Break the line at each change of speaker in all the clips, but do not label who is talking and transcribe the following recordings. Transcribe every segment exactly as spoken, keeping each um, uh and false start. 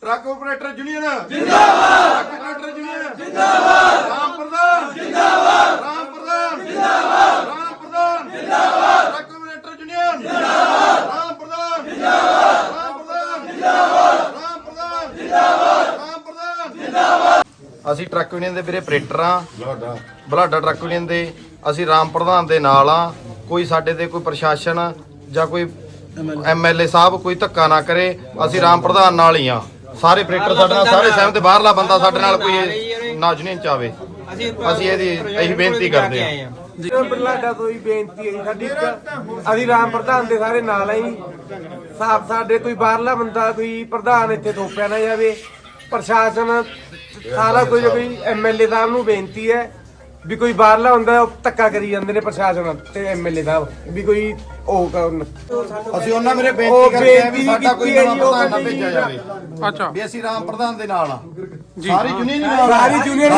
Truck operator union जिंदाबाद, truck operator union जिंदाबाद, राम प्रधान जिंदाबाद, राम प्रधान जिंदाबाद, राम प्रधान जिंदाबाद, ट्रक ऑपरेटर यूनियन जिंदाबाद, राम प्रधान जिंदाबाद, राम प्रधान जिंदाबाद, राम प्रधान जिंदाबाद, राम प्रधान जिंदाबाद। ਅਸੀਂ ਟਰੱਕ ਯੂਨੀਅਨ ਦੇ ਵੀਰੇ ਆਪਰੇਟਰ ਆ, ਬਲਾਡਾ ਟਰੱਕ ਯੂਨੀਅਨ ਦੇ। ਅਸੀਂ ਰਾਮ ਪ੍ਰਧਾਨ ਦੇ ਨਾਲ ਆ। ਕੋਈ ਸਾਡੇ ਤੇ ਕੋਈ ਪ੍ਰਸ਼ਾਸਨ ਜਾਂ ਕੋਈ ਐਮਐਲਏ ਸਾਹਿਬ ਕੋਈ ਧੱਕਾ ਨਾ ਕਰੇ, ਅਸੀਂ ਰਾਮ ਪ੍ਰਧਾਨ ਨਾਲ ਹੀ ਆ। ਸਾਰੇ ਆਪਰੇਟਰ ਸਾਡੇ ਨਾਲ, ਸਾਰੇ ਸਹਿਮਤ। ਬਾਹਰਲਾ ਬੰਦਾ ਸਾਡੇ ਨਾਲ ਕੋਈ ਨਾ ਯੂਨੀਅਨ ਚ ਆਵੇ, ਅਸੀਂ ਇਹਦੀ ਇਹੀ ਬੇਨਤੀ ਕਰਦੇ ਆ।
ਬਲਾਡਾ ਤੋਂ ਹੀ ਬੇਨਤੀ ਹੈ ਸਾਡੀ, ਅਸੀਂ ਰਾਮ ਪ੍ਰਧਾਨ ਦੇ ਸਾਰੇ ਨਾਲ ਆ ਜੀ। ਸਾਫ ਸਾਡੇ ਕੋਈ ਬਾਹਰਲਾ ਬੰਦਾ ਕੋਈ ਪ੍ਰਧਾਨ ਇੱਥੇ ਥੋਪਿਆ ਨਾ ਜਾਵੇ। ਪ੍ਰਸ਼ਾਸਨ ਸਾਰਾ ਕੁਝ ਕੋਈ ਐਮਐਲਏ ਸਾਹਿਬ ਨੂੰ ਬੇਨਤੀ ਹੈ ਵੀ ਕੋਈ ਬਾਹਰਲਾ ਹੁੰਦਾ ਉਹ ਧੱਕਾ ਕਰੀ ਜਾਂਦੇ ਨੇ ਪ੍ਰਸ਼ਾਸਨ ਤੇ ਐਮਐਲਏ ਸਾਹਿਬ ਵੀ ਕੋਈ ਉਹ ਕਰਨ।
ਅਸੀਂ ਉਹਨਾਂ ਮੇਰੇ ਬੇਨਤੀ ਕਰਦੇ ਆ ਵੀ ਸਾਡਾ ਕੋਈ ਨਵਾਂ ਪ੍ਰਧਾਨ ਨਾ ਭੇਜਿਆ ਜਾਵੇ।
ਅੱਛਾ
ਵੀ ਅਸੀਂ ਰਾਮ ਪ੍ਰਧਾਨ ਦੇ ਨਾਲ ਆ, ਸਾਰੀ ਯੂਨੀਅਨ ਨਾਲ,
ਸਾਰੀ ਯੂਨੀਅਨ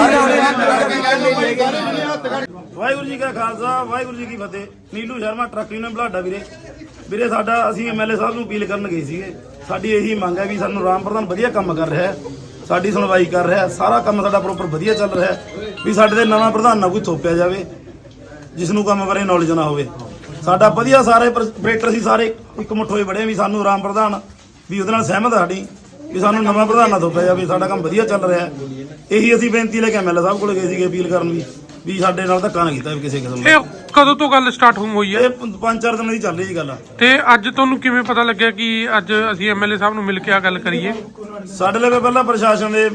ਵਾਹਿਗੁਰੂ ਜੀ ਕਾ ਖਾਲਸਾ, ਵਾਹਿਗੁਰੂ ਜੀ ਕੀ ਫਤਿਹ। ਨੀਲੂ ਸ਼ਰਮਾ ਟਰੱਕ ਯੂਨੀਅਨ ਬਲਾਡਾ ਵੀਰੇ। ਵੀਰੇ ਸਾਡਾ ਅਸੀਂ ਐਮਐਲਏ ਸਾਹਿਬ ਨੂੰ ਅਪੀਲ ਕਰਨ ਗਏ ਸੀਗੇ। ਸਾਡੀ ਇਹੀ ਮੰਗ ਹੈ ਵੀ ਸਾਨੂੰ ਰਾਮ ਪ੍ਰਧਾਨ ਵਧੀਆ ਕੰਮ ਕਰ ਰਿਹਾ ਹੈ, ਸਾਡੀ ਸੁਣਵਾਈ ਕਰ ਰਿਹਾ, ਸਾਰਾ ਕੰਮ ਸਾਡਾ ਪ੍ਰੋਪਰ ਵਧੀਆ ਚੱਲ ਰਿਹਾ ਵੀ ਸਾਡੇ ਤੇ ਨਵਾਂ ਪ੍ਰਧਾਨ ਨਾ ਕੋਈ ਥੋਪਿਆ ਜਾਵੇ ਜਿਸ ਨੂੰ ਕੰਮ ਬਾਰੇ ਨੌਲੇਜ ਨਾ ਹੋਵੇ। ਸਾਡਾ ਵਧੀਆ ਸਾਰੇ ਆਪਰੇਟਰ ਸੀ ਸਾਰੇ ਇੱਕ ਮੁੱਠ ਹੋਏ ਬੜੇ ਵੀ ਸਾਨੂੰ ਰਾਮ ਪ੍ਰਧਾਨ ਵੀ ਉਹਦੇ ਨਾਲ ਸਹਿਮਤ ਸਾਡੀ ਵੀ ਸਾਨੂੰ ਨਵਾਂ ਪ੍ਰਧਾਨ ਨਾ ਥੋਪਿਆ ਜਾਵੇ, ਸਾਡਾ ਕੰਮ ਵਧੀਆ ਚੱਲ ਰਿਹਾ। ਇਹੀ ਅਸੀਂ ਬੇਨਤੀ ਲੈ ਕੇ ਐਮਐਲਏ ਸਾਹਿਬ ਕੋਲ ਗਏ ਸੀਗੇ ਅਪੀਲ ਕਰਨ ਵੀ ਵੀ ਸਾਡੇ ਨਾਲ ਧੱਕਾ ਨਾ ਕੀਤਾ ਵੀ ਕਿਸੇ ਕਿਸਮ ਦਾ।
ਇਹ ਕਦੋਂ ਤੋਂ ਗੱਲ ਸਟਾਰਟ ਹੋਈ ਹੈ?
ਇਹ ਪੰਜ ਚਾਰ ਦਿਨਾਂ ਦੀ ਚੱਲ ਰਹੀ ਜੀ ਗੱਲ।
ਤੇ ਅੱਜ ਤੁਹਾਨੂੰ ਕਿਵੇਂ ਪਤਾ ਲੱਗਿਆ ਕਿ ਅੱਜ ਅਸੀਂ ਐਮਐਲਏ ਸਾਹਿਬ ਨੂੰ ਮਿਲ ਕੇ ਆ ਗੱਲ ਕਰੀਏ?
ਸਾਡੇ ਲਈ ਪਹਿਲਾਂ ਪ੍ਰਸ਼ਾਸਨ ਦੇ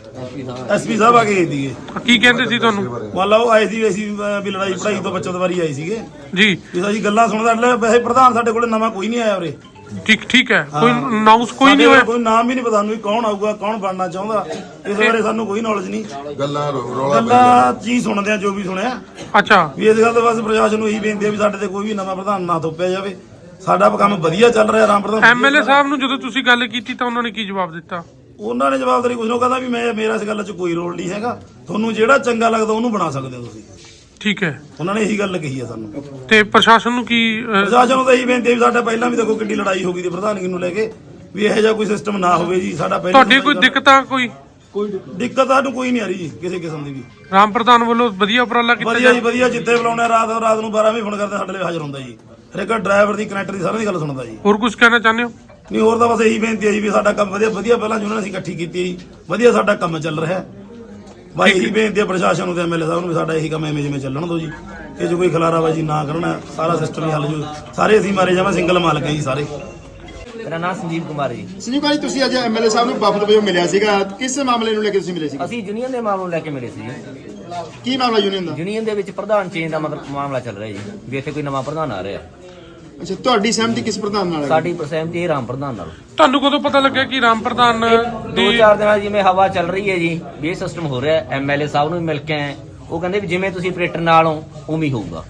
ਐਸਪੀ ਸਾਹਿਬ ਆ ਗਏ ਸੀਗੇ।
ਕੀ ਕਹਿੰਦੇ ਸੀ ਤੁਹਾਨੂੰ?
ਮੰਨ ਲਓ ਆਏ ਸੀ ਅਸੀਂ ਵੀ ਲੜਾਈ ਪੜਾਈ ਤੋਂ ਬਚਤ ਵਾਰੀ ਆਏ ਸੀਗੇ
ਜੀ।
ਵੀ ਅਸੀਂ ਗੱਲਾਂ ਸੁਣਦਾ। ਵੈਸੇ ਪ੍ਰਧਾਨ ਸਾਡੇ ਕੋਲ ਨਵਾਂ ਕੋਈ ਨਹੀਂ ਆਇਆ ਉਰੇ।
ਠੀਕ ਠੀਕ ਹੈ, ਕੋਈ ਅਨਾਉਂਸ ਕੋਈ ਨਹੀਂ ਹੋਇਆ?
ਕੋਈ ਨਾਮ ਹੀ ਨਹੀਂ ਪਤਾ ਸਾਨੂੰ ਕੌਣ ਆਊਗਾ, ਕੌਣ ਬਣਨਾ ਚਾਹੁੰਦਾ, ਇਸ ਬਾਰੇ ਸਾਨੂੰ ਕੋਈ ਨੌਲੇਜ ਨਹੀਂ।
ਗੱਲਾਂ
ਗੱਲਾਂ ਚੀਜ਼ ਸੁਣਦੇ ਆ ਜੋ ਵੀ ਸੁਣਿਆ।
ਅੱਛਾ,
ਵੀ ਇਸ ਗੱਲ ਤੋਂ ਬਸ ਪ੍ਰਸ਼ਾਸਨ ਨੂੰ ਇਹੀ ਬੇਨਤੀ ਹੈ ਵੀ ਸਾਡੇ ਤੇ ਕੋਈ ਵੀ ਨਵਾਂ ਪ੍ਰਧਾਨ ਨਾ ਥੋਪਿਆ ਜਾਵੇ। ਸਾਡਾ ਕੰਮ ਵਧੀਆ ਚੱਲ ਰਿਹਾ ਰਾਮ ਪ੍ਰਧਾਨ।
ਐਮਐਲਏ ਸਾਹਿਬ ਨੂੰ ਜਦੋਂ ਤੁਸੀਂ ਗੱਲ ਕੀਤੀ ਤਾਂ ਉਹਨਾਂ ਨੇ ਕੀ ਜਵਾਬ ਦਿੱਤਾ?
ਉਹਨਾਂ ਨੇ ਜਵਾਬਦਾਰੀ ਕੁਝ ਨੂੰ ਕਹਿੰਦਾ ਵੀ ਮੈਂ ਮੇਰਾ ਇਸ ਗੱਲ 'ਚ ਕੋਈ ਰੋਲ ਨਹੀਂ ਹੈਗਾ, ਤੁਹਾਨੂੰ ਜਿਹੜਾ ਚੰਗਾ ਲੱਗਦਾ ਉਹਨੂੰ ਬਣਾ ਸਕਦੇ ਹੋ ਤੁਸੀਂ।
ਠੀਕ ਹੈ,
ਉਹਨਾਂ ਨੇ ਇਹੀ ਗੱਲ ਕਹੀ ਹੈ ਸਾਨੂੰ।
ਤੇ ਪ੍ਰਸ਼ਾਸਨ ਨੂੰ ਕੀ?
ਪ੍ਰਸ਼ਾਸਨ ਨੂੰ ਤਾਂ ਇਹੀ ਬੇਨਤੀ ਹੈ ਵੀ ਸਾਡਾ ਪਹਿਲਾਂ ਵੀ ਦੇਖੋ ਕਿੰਨੀ ਲੜਾਈ ਹੋ ਗਈ ਤੇ ਪ੍ਰਧਾਨਗੀ ਨੂੰ ਲੈ ਕੇ, ਵੀ ਇਹੋ ਜਿਹਾ ਕੋਈ ਸਿਸਟਮ ਨਾ ਹੋਵੇ ਜੀ। ਸਾਡਾ ਪਹਿਲਾਂ
ਤੁਹਾਡੀ ਕੋਈ ਦਿੱਕਤਾਂ ਕੋਈ
ਕੋਈ ਦਿੱਕਤ ਸਾਨੂੰ ਕੋਈ ਨਹੀਂ ਆ ਰਹੀ ਜੀ ਕਿਸੇ ਕਿਸਮ ਦੀ ਵੀ।
ਰਾਮ ਪ੍ਰਧਾਨ ਵੱਲੋਂ ਵਧੀਆ ਉਪਰਾਲਾ ਕੀਤਾ
ਵਧੀਆ ਜੀ ਵਧੀਆ। ਜਿੱਥੇ ਬੁਲਾਉਣਾ ਰਾਤ ਰਾਤ ਨੂੰ ਬਾਰਾਂ ਵਜੇ ਫੋਨ ਕਰਦੇ ਸਾਡੇ ਲਈ ਹਾਜ਼ਰ ਹੁੰਦਾ ਜੀ। ਹਰੇਕ ਡਰਾਈਵਰ ਦੀ ਕਨੈਕਟਰ ਦੀ ਸਾਰਿਆਂ ਦੀ ਗੱਲ ਸੁਣਦਾ ਜੀ।
ਹੋਰ ਕੁਝ ਕਹਿਣਾ ਚਾਹੁੰਦੇ ਹੋ?
ਨਹੀਂ ਹੋਰ ਤਾਂ ਬਸ ਇਹੀ ਬੇਨਤੀ ਹੈ ਜੀ ਵੀ ਸਾਡਾ ਕੰਮ ਵਧੀਆ ਵਧੀਆ ਪਹਿਲਾਂ ਜਿਹਨਾਂ ਨੇ ਅਸੀਂ ਇਕੱਠੀ ਕੀਤੀ ਜੀ, ਵਧੀਆ ਸਾਡਾ ਕੰਮ ਚੱਲ ਰਿਹਾ। ਬਾਈ ਇਹੀ ਬੇਨਤੀ ਹੈ ਪ੍ਰਸ਼ਾਸਨ ਨੂੰ ਤੇ ਐਮਐਲਏ ਸਾਹਿਬ ਨੂੰ ਵੀ ਸਾਡਾ ਇਹੀ ਕੰਮ ਐਵੇਂ ਜਿਵੇਂ ਚੱਲਣ ਦਿਓ ਜੀ। ਇਹ ਜੋ ਕੋਈ ਖਲਾਰਾਬਾਜੀ ਨਾ ਕਰਨਾ, ਸਾਰਾ ਸਿਸਟਮ ਹੀ ਹੱਲ ਜੋ ਸਾਰੇ ਅਸੀਂ ਮਾਰੇ ਜਾਵਾਂ। ਸਿੰਗਲ ਮਾਲਕ ਹੈ ਜੀ ਸਾਰੇ।
ਮੇਰਾ ਨਾਮ ਸੰਜੀਵ ਕੁਮਾਰ ਜੀ।
ਸੰਜੀਵ ਜੀ, ਤੁਸੀਂ ਅੱਜ ਐਮਐਲਏ ਸਾਹਿਬ ਨੂੰ ਵਫਦ ਵਜੋਂ ਮਿਲਿਆ ਸੀਗਾ, ਕਿਸ ਮਾਮਲੇ ਨੂੰ ਲੈ ਕੇ ਤੁਸੀਂ ਮਿਲੇ ਸੀ?
ਅਸੀਂ ਯੂਨੀਅਨ ਦੇ ਮਾਮਲੇ ਨੂੰ ਲੈ ਕੇ ਮਿਲੇ ਸੀ ਜੀ।
ਕੀ ਮਾਮਲਾ ਯੂਨੀਅਨ ਦਾ?
ਯੂਨੀਅਨ ਦੇ ਵਿੱਚ ਪ੍ਰਧਾਨ ਚੇਂਜ ਦਾ ਮਤਲਬ ਮਾਮਲਾ ਚੱਲ ਰਿਹਾ ਜੀ ਵੀ ਇੱਥੇ ਕੋਈ ਨਵਾਂ ਪ੍ਰਧਾਨ ਆ ਰਿਹਾ।
ਅੱਛਾ, ਤੁਹਾਡੀ ਸਹਿਮਤੀ ਕਿਸ ਪ੍ਰਧਾਨ ਨਾਲ ਹੈ?
ਸਾਡੀ ਸਹਿਮਤੀ ਇਹ ਰਾਮ ਪ੍ਰਧਾਨ ਨਾਲ।
ਤੁਹਾਨੂੰ ਕਦੋਂ ਪਤਾ ਲੱਗਿਆ ਕਿ ਰਾਮ ਪ੍ਰਧਾਨ
ਦੋ
ਦੀ
ਚਾਰ ਦਿਨਾਂ ਜਿਵੇਂ ਹਵਾ ਚੱਲ ਰਹੀ ਹੈ ਜੀ ਵੀ ਇਹ ਸਿਸਟਮ ਹੋ ਰਿਹਾ। ਐਮਐਲਏ ਸਾਹਿਬ ਨੂੰ ਮਿਲ ਕੇ ਆਏ, ਉਹ ਕਹਿੰਦੇ ਵੀ ਜਿਵੇਂ ਤੁਸੀਂ ਆਪਰੇਟਰ ਨਾਲ ਹੋ ਉਵੇਂ ਹੀ ਹੋਊਗਾ।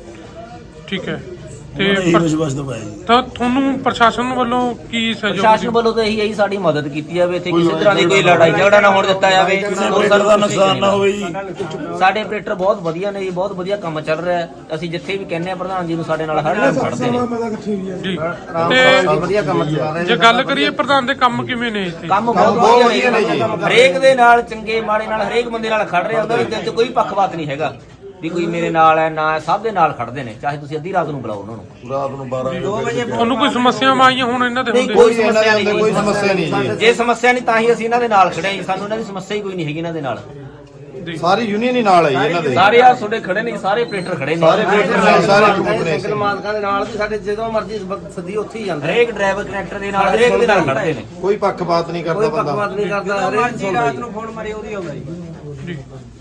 ਠੀਕ ਹੈ, ਤੇ
ਇਹੀ ਵਿਸ਼ਵਾਸ ਦਵਾਇਆ ਜੀ।
ਤਾਂ ਤੁਹਾਨੂੰ ਪ੍ਰਸ਼ਾਸਨ ਵੱਲੋਂ ਕੀ ਸਹਿਯੋਗ?
ਪ੍ਰਸ਼ਾਸਨ ਵੱਲੋਂ ਤਾਂ ਇਹੀ ਹੈ ਜੀ ਸਾਡੀ ਮਦਦ ਕੀਤੀ ਜਾਵੇ, ਇੱਥੇ ਕਿਸੇ ਤਰ੍ਹਾਂ ਦੀ ਕੋਈ ਲੜਾਈ ਝਗੜਾ ਨਾ ਹੋਣ ਦਿੱਤਾ ਜਾਵੇ,
ਹੋਰ ਦਾ ਨੁਕਸਾਨ ਨਾ ਹੋਵੇ ਜੀ।
ਸਾਡੇ ਆਪਰੇਟਰ ਬਹੁਤ ਵਧੀਆ ਨੇ ਜੀ, ਬਹੁਤ ਵਧੀਆ ਕੰਮ ਚੱਲ ਰਿਹਾ ਹੈ। ਅਸੀਂ ਜਿੱਥੇ ਵੀ ਕਹਿੰਦੇ ਆ ਪ੍ਰਧਾਨ ਜੀ ਨੂੰ ਸਾਡੇ ਨਾਲ ਹਰ ਟਾਈਮ ਖੜਦੇ ਨੇ
ਜੀ। ਤੇ
ਵਧੀਆ ਕੰਮ ਚੱਲ ਰਿਹਾ।
ਜੇ ਗੱਲ ਕਰੀਏ ਪ੍ਰਧਾਨ ਦੇ ਕੰਮ ਕਿਵੇਂ ਨੇ ਇੱਥੇ?
ਕੰਮ ਬਹੁਤ ਵਧੀਆ ਨੇ ਜੀ। ਹਰੇਕ ਦੇ ਨਾਲ ਚੰਗੇ ਮਾੜੇ ਨਾਲ ਹਰੇਕ ਬੰਦੇ ਨਾਲ ਖੜ ਰਹੇ, ਉਹਨਾਂ ਦੇ ਦਿਲ 'ਚ ਕੋਈ ਪੱਖਪਾਤ ਨਹੀਂ ਹੈਗਾ ਵੀ ਕੋਈ ਮੇਰੇ ਨਾਲ ਹੈ ਨਾ, ਸਭ ਦੇ ਨਾਲ ਖੜਦੇ ਨੇ। ਚਾਹੇ ਤੁਸੀਂ ਅੱਧੀ ਰਾਤ ਨੂੰ ਬੁਲਾਓ ਉਹਨਾਂ ਨੂੰ,
ਰਾਤ ਨੂੰ ਬਾਰਾਂ ਵਜੇ।
ਤੁਹਾਨੂੰ ਕੋਈ ਸਮੱਸਿਆਵਾਂ ਆਈਆਂ ਹੁਣ ਇਹਨਾਂ ਦੇ ਹੁੰਦੇ?
ਕੋਈ ਸਮੱਸਿਆ ਨਹੀਂ,
ਕੋਈ ਸਮੱਸਿਆ ਨਹੀਂ ਜੀ।
ਜੇ ਸਮੱਸਿਆ ਨਹੀਂ ਤਾਂ ਹੀ ਅਸੀਂ ਇਹਨਾਂ ਦੇ ਨਾਲ ਖੜੇ ਹਾਂ। ਸਾਨੂੰ ਇਹਨਾਂ ਦੀ ਸਮੱਸਿਆ ਹੀ ਕੋਈ ਨਹੀਂ ਹੈਗੀ ਇਹਨਾਂ ਦੇ ਨਾਲ।
ਸਾਰੀ ਯੂਨੀਅਨ ਹੀ ਨਾਲ ਹੈ ਜੀ ਇਹਨਾਂ ਦੇ।
ਸਾਰੇ ਆ ਤੁਹਾਡੇ ਖੜੇ ਨੇ, ਸਾਰੇ ਆਪਰੇਟਰ ਖੜੇ ਨੇ,
ਸਾਰੇ ਆਪਰੇਟਰ ਨਾਲ, ਸਾਰੇ ਗਰੁੱਪ ਨੇ।
ਸਿੰਗਲ ਮਾਲਕਾਂ ਦੇ ਨਾਲ ਵੀ ਸਾਡੇ ਜਦੋਂ ਮਰਜ਼ੀ ਸੱਦੀ ਉੱਥੇ ਹੀ ਜਾਂਦੇ।
ਹਰੇਕ ਡਰਾਈਵਰ ਕਨੈਕਟਰ ਦੇ ਨਾਲ ਹਰੇਕ ਦੇ ਨਾਲ ਖੜਦੇ ਨੇ।
ਕੋਈ ਪੱਖਪਾਤ ਨਹੀਂ ਕਰਦਾ
ਕੋਈ
ਬੰਦਾ।
ਪੱਖਪਾਤ ਨਹੀਂ ਕਰਦਾ। ਹਰੇਕ ਸੁਣਦਾ ਜੀ।
ਜੀ।